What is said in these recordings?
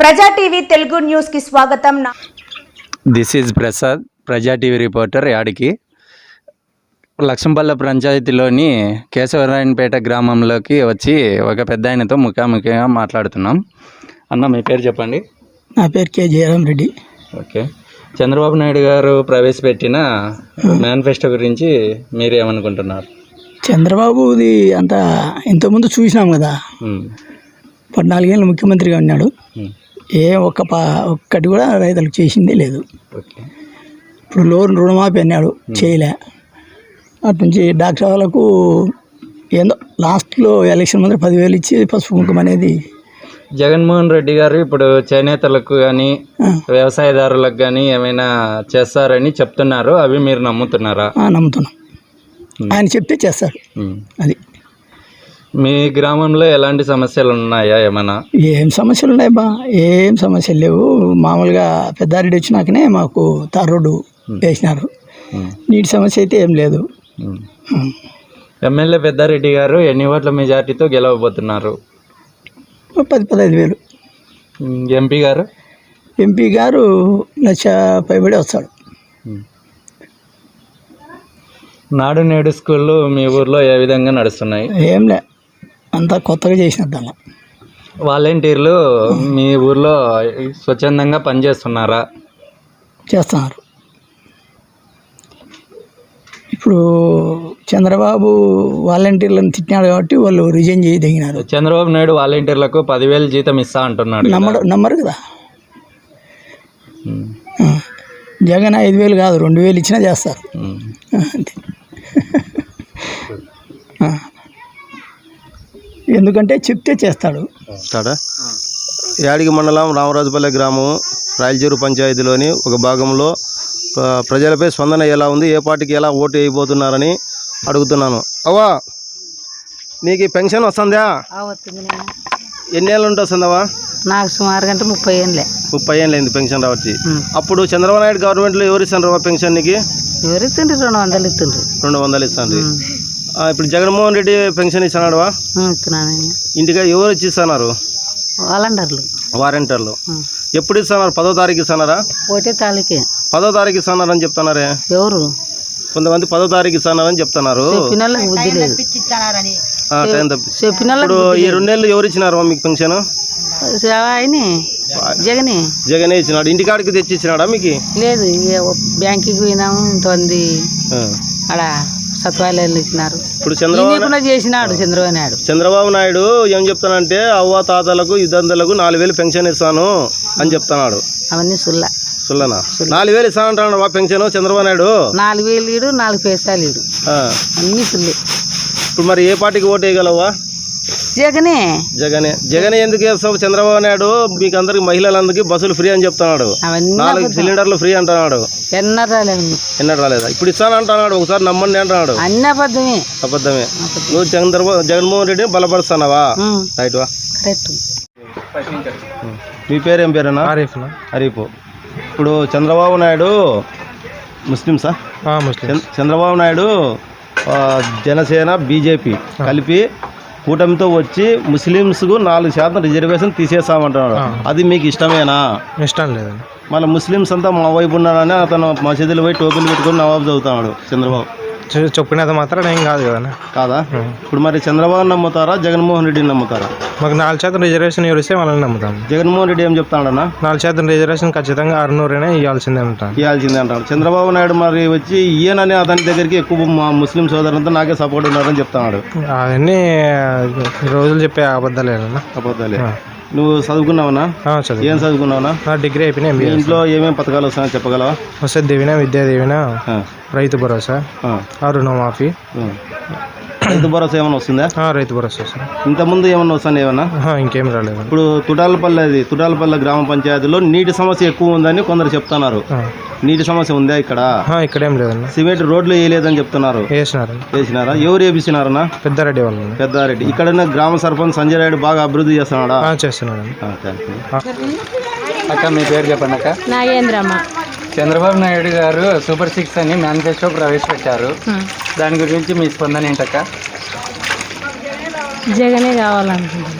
ప్రజా TV Telugu news కి స్వాగతం. దిస్ ఈజ్ ప్రసాద్, ప్రజా టీవీ రిపోర్టర్. యాడికి లక్ష్మపల్లె పంచాయతీలోని కేశవరాయనపేట గ్రామంలోకి వచ్చి ఒక పెద్ద ఆయనతో ముఖాముఖిగా మాట్లాడుతున్నాం. అన్న, మీ పేరు చెప్పండి. నా పేరు కె జయరామ్ రెడ్డి. ఓకే, చంద్రబాబు నాయుడు గారు ప్రవేశపెట్టిన మేనిఫెస్టో గురించి మీరేమనుకుంటున్నారు? చంద్రబాబుది అంతా ఇంతకుముందు చూసినాం కదా, 14 ఏళ్ళు ముఖ్యమంత్రిగా ఉన్నాడు. ఒక్కటి కూడా రైతులకు చేసిందే లేదు. ఇప్పుడు లోన్ రుణమాఫీ అన్నాడు, చేయలే. అటు నుంచి డాక్టర్ వాళ్ళకు ఏందో లాస్ట్లో ఎలక్షన్ ముందు 10,000 ఇచ్చి పసుపు కుంకుమ అనేది. జగన్మోహన్ రెడ్డి గారు ఇప్పుడు చేనేతలకు కానీ వ్యవసాయదారులకు కానీ ఏమైనా చేస్తారని చెప్తున్నారు. అవి మీరు నమ్ముతున్నారా? నమ్ముతున్నాం. ఆయన చెప్తే చేస్తారు. అది మీ గ్రామంలో ఎలాంటి సమస్యలు ఉన్నాయా? ఏమైనా ఏం సమస్యలు ఉన్నాయి బా? ఏం సమస్యలు లేవు. మామూలుగా పెద్దారెడ్డి వచ్చినాకనే మాకు తార్ రోడ్డు వేసినారు. నీటి సమస్య అయితే ఏం లేదు. ఎమ్మెల్యే పెద్దారెడ్డి గారు ఎన్ని ఓట్ల మెజార్టీతో గెలవబోతున్నారు? 10-15,000. ఎంపీ గారు 1,00,000 పైబడి వస్తాడు. నాడు నేడు స్కూళ్ళు మీ ఊర్లో ఏ విధంగా నడుస్తున్నాయి? ఏంలే, అంతా కొత్తగా చేసినట్టు. వాలంటీర్లు మీ ఊర్లో స్వచ్ఛందంగా పనిచేస్తున్నారా? చేస్తున్నారు. ఇప్పుడు చంద్రబాబు వాలంటీర్లను తిట్టినాడు కాబట్టి వాళ్ళు రిజైన్ చేయదగినారు. చంద్రబాబు నాయుడు వాలంటీర్లకు 10,000 జీతం ఇస్తా అంటున్నాడు. నమ్మరు కదా. జగన్ 5,000 కాదు, 2,000 ఇచ్చినా చేస్తారు. అంతే. ఎందుకంటే చెప్తే చేస్తాడు. యాడికి మండలం రామరాజుపల్లె గ్రామం రాయలచెరు పంచాయతీలోని ఒక భాగంలో ప్రజలపై స్పందన ఎలా ఉంది, ఏ పార్టీకి ఎలా ఓటు వేయబోతున్నారని అడుగుతున్నాను. అవ్వా, నీకు పెన్షన్ వస్తుందా? ఎన్ని ఏళ్ళు ఉంటే వస్తుందవా? నాకు సుమారుగా 30 ఏళ్ళే. 30 ఏళ్ళు అయింది పెన్షన్ రావచ్చు. అప్పుడు చంద్రబాబు నాయుడు గవర్నమెంట్లో ఎవరు ఇస్తాను పెన్షన్? నీకు ఎవరు ఇస్తుండ్రు? 200 ఇస్తుండ్రు. 200 ఇస్తాను. ఇప్పుడు జగన్మోహన్ రెడ్డి పెన్షన్ ఇస్తున్నాడువా? ఇస్తున్నాను. ఇంటికి ఎవరు వచ్చి ఇస్తున్నారు? వారంటీర్లు. ఎప్పుడు ఇస్తున్నారు? 10వ తారీఖు ఇస్తున్నారా? 1వ తారీఖు. 10వ తారీఖు ఇస్తున్నారని చెప్తున్నారే. ఎవరు? కొంతమంది 10వ తారీఖు ఇస్తున్నారని చెప్తున్నారు. బుద్ధి లేదు. ఇప్పుడు ఈ 2 నెలలు ఎవరు ఇచ్చినారు మీకు పెన్షన్? జగనే ఇచ్చినాడు. ఇంటికాడికి తెచ్చి ఇచ్చినాడా మీకు? లేదు, బ్యాంకుకి పోయినాము. ఇంతమంది ఆడ సత్వాలయాలు ఇచ్చినారు. ఇప్పుడు చంద్రబాబు నాయుడు ఏం చెప్తానంటే అవ్వ తాతలకు ఇద్దరులకు 4,000 పెన్షన్ ఇస్తాను అని చెప్తున్నాడు. అవన్నీ సుల్లనా? 4,000 ఇస్తానంటాడు మా పెన్షన్ చంద్రబాబు నాయుడు. 4,000 ఇడు, 4 పైసలు ఇడు, అన్ని సుల్లే. ఇప్పుడు మరి ఏ పార్టీకి ఓటు వేయగలవా? జగనే ఎందుకు వేస్తావు? చంద్రబాబు నాయుడు మీకు అందరికి మహిళలందరికీ బస్సులు ఫ్రీ అని చెప్తున్నాడు. 4 సిలిండర్లు ఫ్రీ అంటున్నాడు. ఎన్నడూ రాలేదా? ఇప్పుడు ఇస్తాను అంటున్నాడు. ఒకసారి నమ్మండి అంటున్నాడు. అబద్ధమే. నువ్వు జగన్మోహన్ రెడ్డిని బలపరుస్తున్నావా? రైట్ వా. మీ పేరు ఏం పేరేనా? హరీఫ్. ఇప్పుడు చంద్రబాబు నాయుడు ముస్లింసా? చంద్రబాబు నాయుడు జనసేన బీజేపీ కలిపి కూటమితో వచ్చి ముస్లిమ్స్కు 4% రిజర్వేషన్ తీసేస్తామంటున్నాడు. అది మీకు ఇష్టమేనా? ఇష్టం లేదు. మళ్ళీ ముస్లిమ్స్ అంతా మా వైపు ఉన్నారని అతను మసీదులు పోయి టోపీలు పెట్టుకుని నవాబు చదువుతున్నాడు చంద్రబాబు. చెప్పినంత మాత్రం ఏం కాదు కదా. కాదా? ఇప్పుడు మరి చంద్రబాబు నమ్ముతారా జగన్మోహన్ రెడ్డిని నమ్ముతారా? మాకు 4% రిజర్వేషన్ ఎవరిస్తే వాళ్ళని నమ్ముతాం. జగన్మోహన్ రెడ్డి ఏం చెప్తాడన్నా? 4% రిజర్వేషన్ ఖచ్చితంగా 600 ఇవ్వాల్సిందే అంటాడు. చంద్రబాబు నాయుడు మరి వచ్చి ఈయనని అతని దగ్గరికి ఎక్కువ మా ముస్లిం సోదరులంతా నాకే సపోర్ట్ ఉన్నారని చెప్తున్నాడు. అవన్నీ రోజులు చెప్పే అబద్ధాలే. నువ్వు చదువుకున్నావనా? ఏం చదువుకున్నావునా? డిగ్రీ అయిపోయినా. ఇంట్లో ఏమేమి పథకాలు వస్తాయని చెప్పగలవా? వస్తే దీవెన, విద్యా దీవెన, రైతు భరోసా, రుణమాఫీ. రైతు భరోసా ఏమైనా వస్తుందా? రైతు భరోసా వస్తుంది. ఇంతకుముందు ఏమన్నా వస్తాను? ఏమన్నా ఇంకేం రాలేదు. ఇప్పుడు తుటాలపల్లె గ్రామ పంచాయతీలో నీటి సమస్య ఎక్కువ ఉందని కొందరు చెప్తున్నారు. నీటి సమస్య ఉందా ఇక్కడ? ఇక్కడేం లేదన్న. సిమెంట్ రోడ్లు వేయలేదని చెప్తున్నారు. వేసినారా? ఎవరు వేపిస్తున్నారన్నా? పెద్దారెడ్డి. ఇక్కడ గ్రామ సర్పంచ్ సంజయ్ రెడ్డి బాగా అభివృద్ధి చేస్తున్నాడా? చేస్తున్నాడు. అక్క, మీ పేరు చెప్పండి. అక్క, నాగేంద్రమ్మ. చంద్రబాబు నాయుడు గారు సూపర్ 6 అని మేనిఫెస్టో ప్రవేశపెట్టారు. దాని గురించి మీ స్పందన ఏంటక్క? జగనే కావాలనుకుంటున్నాను.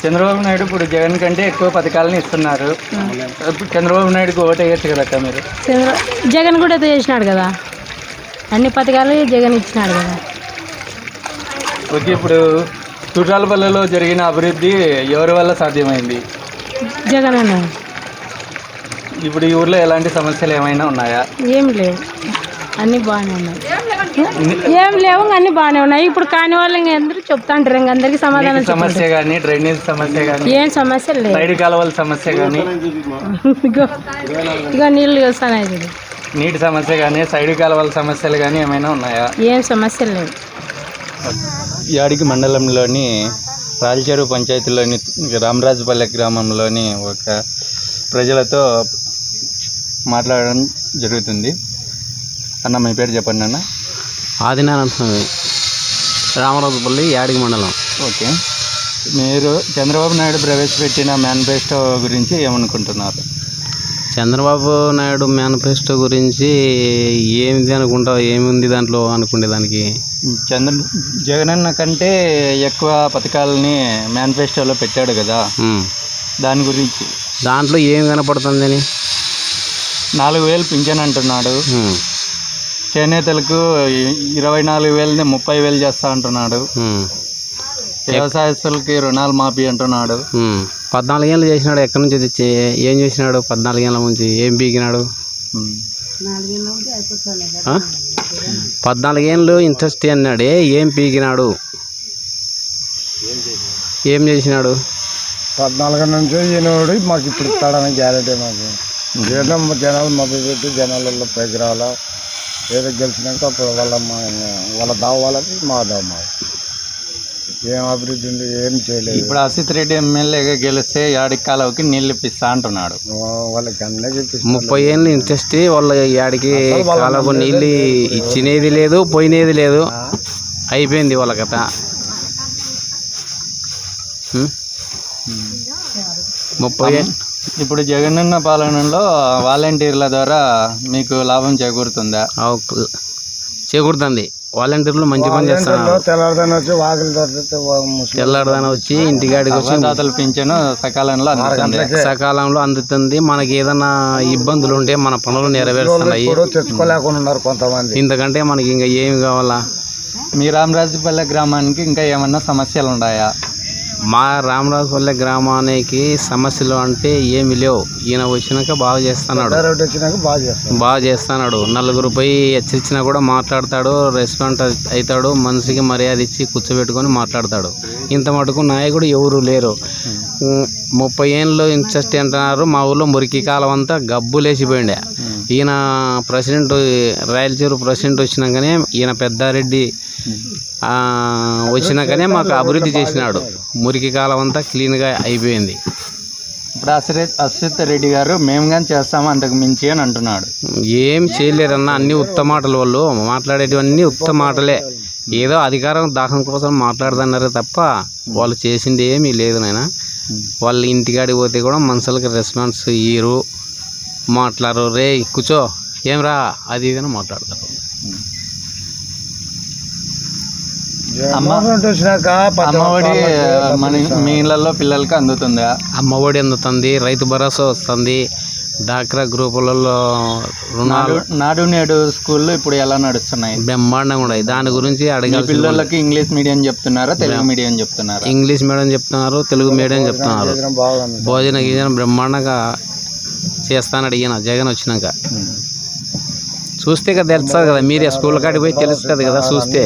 చంద్రబాబు నాయుడు ఇప్పుడు జగన్ కంటే ఎక్కువ పథకాలను ఇస్తున్నారు. ఇప్పుడు చంద్రబాబు నాయుడుకి ఓటు వేయచ్చు కదా మీరు? జగన్ కూడా చేసినాడు కదా, అన్ని పథకాలు జగన్ ఇచ్చినాడు కదా. ఓకే, ఇప్పుడు చుట్టాలపల్లెలో జరిగిన అభివృద్ధి ఎవరి వల్ల సాధ్యమైంది? జగన్ అన్న. ఇప్పుడు ఈ ఊర్లో ఎలాంటి సమస్యలు ఏమైనా ఉన్నాయా? ఏం లేవు, అన్నీ బాగానే ఉన్నాయి. ఏం లేవు, అన్నీ బాగానే ఉన్నాయి. ఇప్పుడు కాని వాళ్ళు ఇంకా అందరూ చెప్తా ఉంటారు, ఇంక అందరికీ సమాధానం సమస్య కానీ, డ్రైనేజ్ సమస్య కానీ, ఏం సమస్యలు లేవు. సైడ్ కాలువల సమస్య కానీ, ఇక నీళ్ళు వస్తున్నాయి, నీటి సమస్య కానీ, సైడ్ కాలువల సమస్యలు కానీ ఏమైనా ఉన్నాయా? ఏం సమస్యలు లేవు. యాడికి మండలంలోని రాయలచెరువు పంచాయతీలోని రామరాజుపల్లె గ్రామంలోని ఒక ప్రజలతో మాట్లాడడం జరుగుతుంది. అన్న, మీ పేరు చెప్పండి అన్న. ఆదినారాయణ స్వామి, రామరాజుపల్లి, యాడికి మండలం. ఓకే, మీరు చంద్రబాబు నాయుడు ప్రవేశపెట్టిన మేనిఫెస్టో గురించి ఏమనుకుంటున్నారు? చంద్రబాబు నాయుడు మేనిఫెస్టో గురించి ఏమిది అనుకుంటావు, ఏముంది దాంట్లో అనుకునే దానికి? జగనన్న కంటే ఎక్కువ పథకాలని మేనిఫెస్టోలో పెట్టాడు కదా, దాని గురించి. దాంట్లో ఏం కనపడుతుందని? 4,000 పింఛన్ అంటున్నాడు. చేనేతలకు 24,000ని 30,000 చేస్తా అంటున్నాడు. వ్యవసాయస్తులకి రుణాలు మాఫీ అంటున్నాడు. 14 ఏళ్ళు చేసినాడు, ఎక్కడి నుంచి తెచ్చి ఏం చేసినాడు? 14 ఏళ్ళ నుంచి ఏం పీకినాడు? 14 ఏళ్ళు ఇంట్రెస్ట్ అన్నాడే, ఏం పీకినాడు? ఏం చేసినాడు? 14 నుంచి ఈయనోడు మాకు ఇప్పుడు ఇస్తాడని గ్యారెంటీ. మాకు జనాలు మొదలు పెట్టి జనాలలో పైకి రావాలా, ఏదో గెలిచినాక అప్పుడు వాళ్ళ దావ వాళ్ళకి మా దావ మాది. ఏం అభివృద్ధి ఉంది, ఏం చేయలేదు. ఇప్పుడు అసిత్ రెడ్డి ఎమ్మెల్యేగా గెలిస్తే యాడికి కాలువకి నీళ్ళు ఇప్పిస్తా అంటున్నాడు. వాళ్ళకి అన్నీ 30 ఏళ్ళు ఇంట్రెస్ట్, వాళ్ళ యాడికి కాలువకు నీళ్ళు ఇచ్చినది లేదు, పోయినది లేదు, అయిపోయింది వాళ్ళ కథ. 30 ఇప్పుడు జగనన్న పాలనలో వాలంటీర్ల ద్వారా మీకు లాభం చేకూరుతుందా? చేకూరుతుంది. వాలంటీర్లు మంచి పని చేస్తున్నారు. తెల్లారదాన వచ్చి ఇంటికాడికి వచ్చి దాతలు పింఛను సకాలంలో అందుతుంది. మనకి ఏదైనా ఇబ్బందులు ఉంటే మన పనులు నెరవేరుస్తున్నాయి. ఇంతకంటే మనకి ఇంకా ఏమి కావాలా? మీ రామరాజుపల్లె గ్రామానికి ఇంకా ఏమన్నా సమస్యలు ఉన్నాయా? మా రామరాజుపల్లె గ్రామానికి సమస్యలు అంటే ఏమి లేవు. ఈయన వచ్చినాక బాగా చేస్తున్నాడు. నలుగురు పోయి హెచ్చరించినా కూడా మాట్లాడతాడు, రెస్పాండ్ అవుతాడు, మనిషికి మర్యాద ఇచ్చి కూర్చోబెట్టుకొని మాట్లాడతాడు. ఇంత మటుకు నాయకుడు ఎవరు లేరు. 30 ఏళ్ళు ఇంట్రెస్ట్ అంటున్నారు. మా ఊళ్ళో మురికి కాలం అంతా గబ్బులేసిపోయిండే. ఈయన ప్రెసిడెంట్, రాయలచెరువు ప్రెసిడెంట్ వచ్చినాకనే, ఈయన పెద్దారెడ్డి వచ్చినాకనే మాకు అభివృద్ధి చేసినాడు. మురికి కాలం అంతా క్లీన్గా అయిపోయింది. ఇప్పుడు అశ్విత్ రెడ్డి గారు మేము కానీ చేస్తాము అంతకు మించి అని అంటున్నాడు. ఏం చేయలేరన్న, అన్ని ఉత్తమ మాటలు. వాళ్ళు మాట్లాడేటివన్నీ ఉత్తమ మాటలే. ఏదో అధికారం దాహం కోసం మాట్లాడుతున్నారు తప్ప వాళ్ళు చేసింది ఏమీ లేదు నాయన. వాళ్ళు ఇంటికాడికి పోతే కూడా మనుషులకి రెస్పాన్స్ ఇయ్యరు, మాట్లాడరు. రే కూర్చో, ఏం రా, అది ఇదని మాట్లాడతారు. అమ్మఒడి మీ ఇళ్ళల్లో పిల్లలకి అందుతుందా? అమ్మఒడి అందుతుంది, రైతు భరోసా వస్తుంది, డాక్రా గ్రూపులలో రుణాలు. నాడు నేడు స్కూల్లో ఇప్పుడు ఎలా నడుస్తున్నాయి? బ్రహ్మాండంగా ఉన్నాయి. దాని గురించి అడగాలి. పిల్లలకి ఇంగ్లీష్ మీడియం చెప్తున్నారా, తెలుగు మీడియం చెప్తున్నారా? ఇంగ్లీష్ మీడియం చెప్తున్నారు, తెలుగు మీడియం చెప్తున్నారు. భోజన గీజన బ్రహ్మాండంగా చేస్తానడు ఈయన జగన్ వచ్చినాక. చూస్తే కదా తెలుస్తుంది కదా, మీరే స్కూల్ కాడికి పోయి తెలుస్తుంది కదా. చూస్తే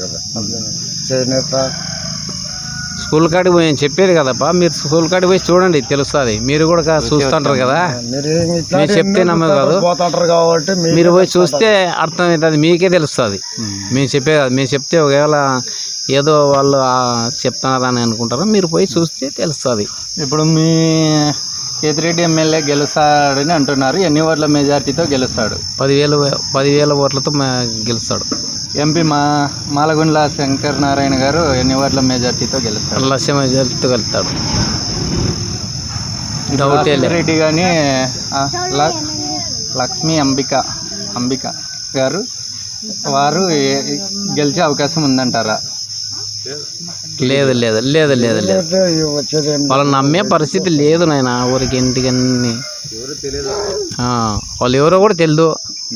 స్కూల్ కాడికి పోయి చెప్పేది కదప్పా, మీరు స్కూల్ కాడికి పోయి చూడండి, తెలుస్తుంది. మీరు కూడా చూస్తుంటారు కదా, మీరు చెప్తే నమ్మే కాదు, మీరు పోయి చూస్తే అర్థమవుతుంది, మీకే తెలుస్తుంది. మేము చెప్పే కాదు, మేము చెప్తే ఒకవేళ ఏదో వాళ్ళు చెప్తున్నారని అనుకుంటారు, మీరు పోయి చూస్తే తెలుస్తుంది. ఇప్పుడు మీ కేతిరెడ్డి ఎమ్మెల్యే గెలుస్తాడని అంటున్నారు. ఎన్ని ఓట్ల మెజార్టీతో గెలుస్తాడు? 10,000 ఓట్లతో గెలుస్తాడు. ఎంపీ మాలగుండ్ల శంకర్ నారాయణ గారు ఎన్ని ఓట్ల మెజార్టీతో గెలుస్తాడు? 1,00,000 మెజార్టీతో గెలుస్తాడు. రెడ్డి కానీ లక్ష్మీ అంబిక గారు వారు గెలిచే అవకాశం ఉందంటారా? లేదు లేదు లేదు లేదు లేదు వచ్చేది ఏం వాళ్ళని నమ్మే పరిస్థితి లేదు నాయన ఊరికి ఇంటికి అన్ని వాళ్ళు ఎవరో కూడా తెలియదు.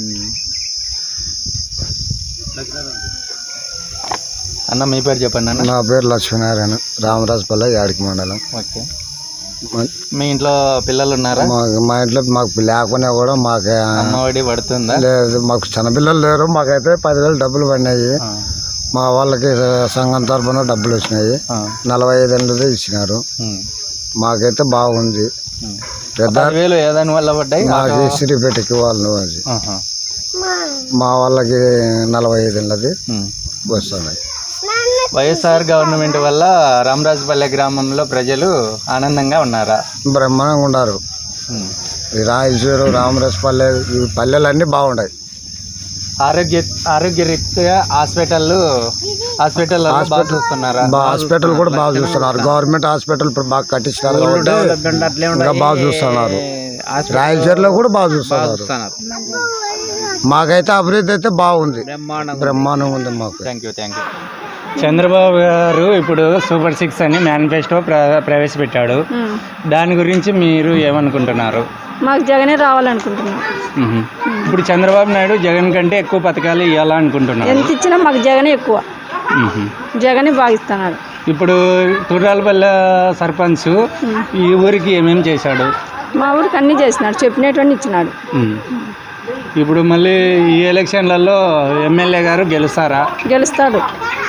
అన్న మీ పేరు చెప్పండి అన్న. నా పేరు లక్ష్మీనారాయణ, రామరాజపల్లి, యాడికి మండలం. ఓకే. మీ ఇంట్లో పిల్లలు ఉన్నారా? మా ఇంట్లో మాకు లేకున్నా కూడా మాకు అమ్మఒడి పడుతుందా? లేదు, మాకు చిన్నపిల్లలు లేరు. మాకైతే 10,000 డబ్బులు పడినాయి. మా వాళ్ళకి సంఘం తరఫున డబ్బులు వచ్చినాయి. 45 ఏళ్ళది ఇచ్చినారు. మాకైతే బాగుంది. పెద్ద ఏదాని వల్ల పడ్డాయి? మాకు సిరిపేటకి వాళ్ళు అది. మా వాళ్ళకి 45 ఏళ్ళది వస్తున్నాయి. వైఎస్ఆర్ గవర్నమెంట్ వల్ల రామరాజపల్లె గ్రామంలో ప్రజలు ఆనందంగా ఉన్నారా? బ్రహ్మాండంగా ఉన్నారు. ఈ రాయచూరు, రామరాజపల్లె ఈ పల్లెలన్నీ బాగున్నాయి. ఆరోగ్యరీత్యా హాస్పిటల్ బాగా చూస్తున్నారా? హాస్పిటల్ కూడా బాగా చూస్తున్నారు. గవర్నమెంట్ హాస్పిటల్ ఇప్పుడు బాగా కట్టించినారు కాబట్టి ఇంకా బాగా చూస్తున్నారు. రాయచూరులో కూడా బాగా చూస్తున్నారు. మాకైతే అభివృద్ధి అయితే బాగుంది, బ్రహ్మాండంగా ఉంది మాకు. Thank you. చంద్రబాబు గారు ఇప్పుడు సూపర్ 6 అని మేనిఫెస్టో ప్రవేశపెట్టాడు. దాని గురించి మీరు ఏమనుకుంటున్నారు? మాకు జగనే రావాలనుకుంటున్నాం. ఇప్పుడు చంద్రబాబు నాయుడు జగన్ కంటే ఎక్కువ పథకాలు ఇవ్వాలనుకుంటున్నారు. ఎంత ఇచ్చినా మాకు జగనే ఎక్కువ, జగనే భావిస్తున్నాడు. ఇప్పుడు తుర్రాలపల్లె సర్పంచ్ ఈ ఊరికి ఏమేమి చేశాడు? మా ఊరికి అన్నీ చేసినాడు, చెప్పినటువంటి ఇచ్చినాడు. ఇప్పుడు మళ్ళీ ఈ ఎలక్షన్లలో ఎమ్మెల్యే గారు గెలుస్తారా? గెలుస్తాడు.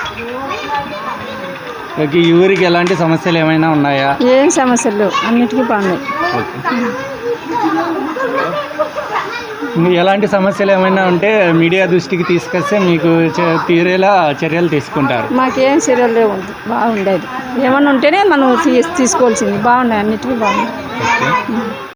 ఈ ఊరికి ఎలాంటి సమస్యలు ఏమైనా ఉన్నాయా? ఏం సమస్యలు లేవు, అన్నిటికీ బాగున్నాయి. ఎలాంటి సమస్యలు ఏమైనా ఉంటే మీడియా దృష్టికి తీసుకొస్తే మీకు తీరేలా చర్యలు తీసుకుంటారు? మాకేం చర్యలు లేవు, బాగుండేది. ఏమన్నా ఉంటేనే మనం తీసుకోవాల్సింది. బాగున్నాయి, అన్నిటికీ బాగున్నాయి.